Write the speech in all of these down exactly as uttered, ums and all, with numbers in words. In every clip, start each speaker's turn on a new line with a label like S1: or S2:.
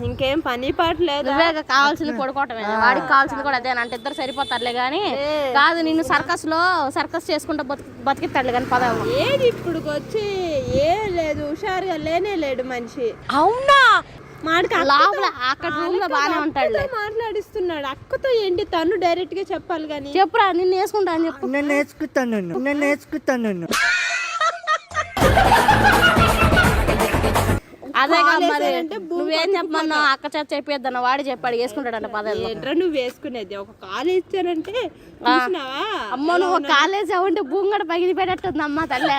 S1: ఇంకేం పని పాట లేదు.
S2: నువ్వే కావాల్సింది పడుకోవటమే, వాడికి కావాల్సింది కూడా అదే అంటే ఇద్దరు సరిపోతారులే కానీ కాదు నిన్ను సర్కస్ లో సర్కస్ చేసుకుంటా బతికి బతికిస్తాడులే కానీ పదవి.
S1: ఏది ఇప్పుడు వచ్చి ఏం లేదు, హుషారుగా లేనే లేడు మనిషి.
S2: అవునా
S1: మాడికి
S2: లోపల అక్కడ రూమ్ లో బానే ఉంటాడు,
S1: మాట్లాడిస్తున్నాడు. అక్కతో ఏంటి తను డైరెక్ట్ గా చెప్పాలి కానీ.
S2: చెప్పురా నిన్ను వేసుకుంటా అని చెప్పు.
S3: నేను నేర్చుకుంటాను నేను నేర్చుకుంటాను
S2: అదే కదా మరి నువ్వేం చెప్పమన్నావు, అక్క చేత చెప్పేద్దన్న వాడి చెప్పాడు వేసుకుంటాడంట పదాలు.
S1: ఏంట్రా నువ్వు వేసుకునేది, ఒక కాలు ఇచ్చానంటే చూసినావా?
S2: అమ్మ నువ్వు కాలేజ్ అవ్వంటే భూంగడ పగిలి పెట్టేస్తుంది అమ్మ తల్లే.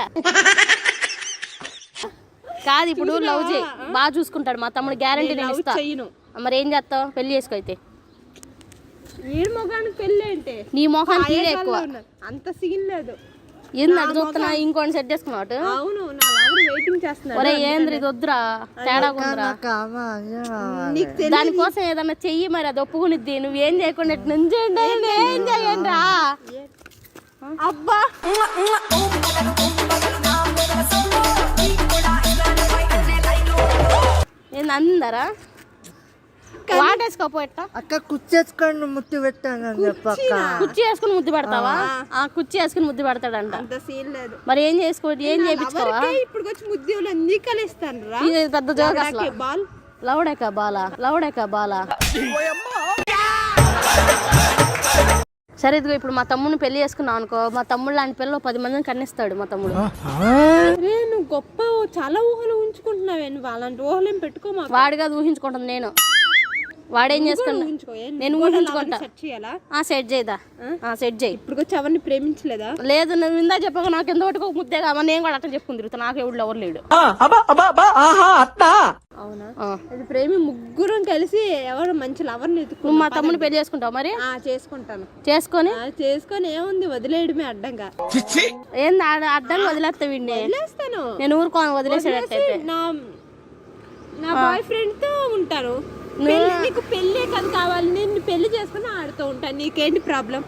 S2: కాదు ఇప్పుడు లవ్ చేయి, బాగా చూసుకుంటాడు మా తమ్ముడు, గ్యారంటీ నేను ఇస్తా. మరి ఏం చేస్తావు, పెళ్లి చేసుకో అయితే.
S1: వీడి మొగానికి పెళ్ళి అంటే
S2: నీ మొఖానికి ఈడే ఎక్కువ,
S1: అంత సీన్ లేదు.
S2: ఏంది అటు చూస్తున్నా ఇంకోటి సెట్ చేసుకున్నావు.
S1: అవును నా లవర్ వెయిటింగ్ చేస్తున్నాడు.
S2: ఒరే ఏంద్రి ఇది వద్దురా, తేడా ఉందిరా. దానికోసం ఏదన్నా చెయ్యి, మరి అది ఒప్పుకునిద్ది. నువ్వేం చేయకుండా నుంచండి ఏం చేయండి రా.
S1: అబ్బా
S2: ఏంది అందరా వాటేసుకోపోయట.
S3: అక్క కుచ్చేసుకొని ముద్దు పెట్టానని చెప్పక్క.
S2: కుర్చీ వేసుకుని ముద్దు పెడతావా? ఆ కుర్చీ వేసుకుని ముద్దు పెడతాడంట.
S1: అంత సీన్ లేదు.
S2: మరి ఏం చేసుకో ఏం చేయించుకోవా?
S1: ఇప్పుడు వచ్చి ముద్దులు అన్ని కలిస్తాను రా.
S2: ఇది పెద్ద జోక్ అసలు.
S1: బాల్
S2: లౌడేకా బాలా లౌడేకా బాలా. సరే ఇదిగో ఇప్పుడు మా తమ్ముడిని పెళ్లి చేసుకున్నావు అనుకో, మా తమ్ముడు లాంటి పిల్లలు పది మందిని కన్నిస్తాడు మా తమ్ముడు.
S1: నువ్వు గొప్ప చాలా ఊహలు ఉంచుకుంటున్నావే, నువ్వు అలాంటి ఊహలు ఏం పెట్టుకోమా.
S2: వాడిగా ఊహించుకుంటాను నేను, వాడేం చేసుకున్నా నేను ఊహించుకుంటా. సెట్ చేయదా సెట్ చేయి.
S1: ఇప్పుడు వచ్చి ఎవరిని ప్రేమించలేదా?
S2: లేదు నువ్వు ఇందా చెప్పక నాకు ఎంత ఒకటి ముద్దే కావా, నేను కూడా అట్లా చెప్పుకుని తిరుగుతా. నాకు ఎవరు ఎవరు లేడు.
S1: అవునా? అది ప్రేమి ముగ్గురం కలిసి ఎవరు మంచి లవర్
S2: నువ్వు మా తమ్ముని పెళ్లి చేసుకుంటావు? మరి
S1: చేసుకుంటాను.
S2: చేసుకొని
S1: చేసుకొని ఏముంది, వదిలేయడమే అడ్డంగా.
S2: ఏంది అడ్డంగా వదిలేస్తా వీడిని?
S1: వదిలేస్తాను
S2: నేను ఊరుకోను, వదిలేసేటట్టయితే.
S1: నా నా బాయ్ ఫ్రెండ్ తో ఉంటాను. నీకు పెళ్లి కదా కావాలి, నేను పెళ్లి చేసుకుని ఆడుతూ ఉంటాను. నీకేంటి ప్రాబ్లం?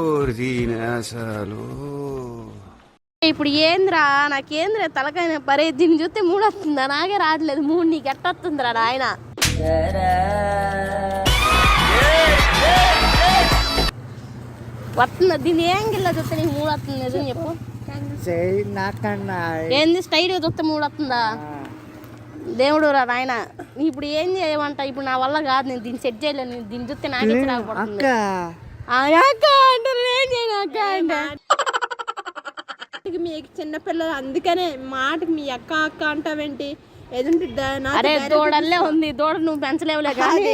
S2: ఇప్పుడు ఏంద్రా నాకేంద్రా తలకాయ పరే, దీన్ని చూస్తే మూడు వస్తుందా? నాకే రావట్లేదు మూడు, నీకు ఎట్ట వస్తుందిరా నాయన? వస్తుందా? దీన్ని ఏం గిల్లా చూస్తే నీకు మూడు వస్తుంది నిజం చెప్పు. ఏంది స్టైల్ గా చూస్తే మూడు వస్తుందా? దేవుడు రా నాయన, ఇప్పుడు ఏం చేయమంట? ఇప్పుడు నా వల్ల కాదు, నేను దీన్ని సెట్ చేయలేను. దీన్ని చూస్తే నాకే రాకపోతుంది. ఏం చేయను అక్క అంటే మీకు చిన్నపిల్లలు, అందుకనే మాటకి మీ అక్క అక్క అంటావేంటి? ఎదుంటి అరే దూడల్లే ఉంది, దూడ నువ్వు పెంచలేవులే కానీ.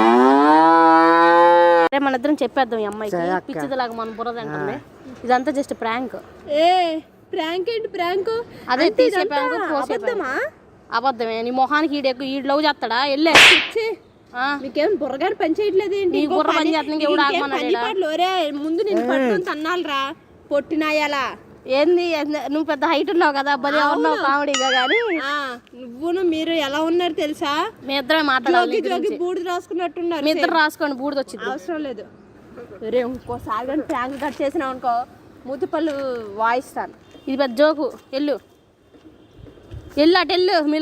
S2: అరే మన ఇద్దరం చెప్పేద్దాం ఈ అమ్మాయికి, పిచ్చిదిలాగా మన బుర్రది అంటుంది. ఇదంతా జస్ట్ ప్రాంక్.
S1: ఏ ప్రాంక్ ఏంటి? ప్రాంక్
S2: అదే తీసే ప్రాంక్. అబద్ధమా? అబద్ధమే. నీ మొహానికి ఈడెక్కు ఈడు లవ్ చేస్తాడా? వెళ్ళే
S1: మీకేం బుర్రగారు పని చేయట్లేదు ఏంటి?
S2: బుర్ర పని చేస్తున్నాడు.
S1: ఒరే ముందు నేను పట్టుకుని తన్నాలరా పొట్టినాయాలా.
S2: ఏంది నువ్వు పెద్ద హైట్ ఉన్నావు కదా, బలి ఉన్నావు కామెడీగా. కానీ
S1: నువ్వును మీరు ఎలా ఉన్నారు తెలుసా?
S2: మీ ఇద్దరే మాట్లాడాలి.
S1: బూడిద రాసుకున్నట్టున్నారు.
S2: మీ ఇద్దరు రాసుకోండి, బూడిద వచ్చింది.
S1: అవసరం లేదు. రే ఇంకోసారి కానీ ప్రాంక్ కట్ చేసినావు అనుకో, మూతిపళ్ళు వాయిస్తాను.
S2: ఇది పెద్ద జోకు. ఎల్లు ఎల్లు అటు ఎల్లు.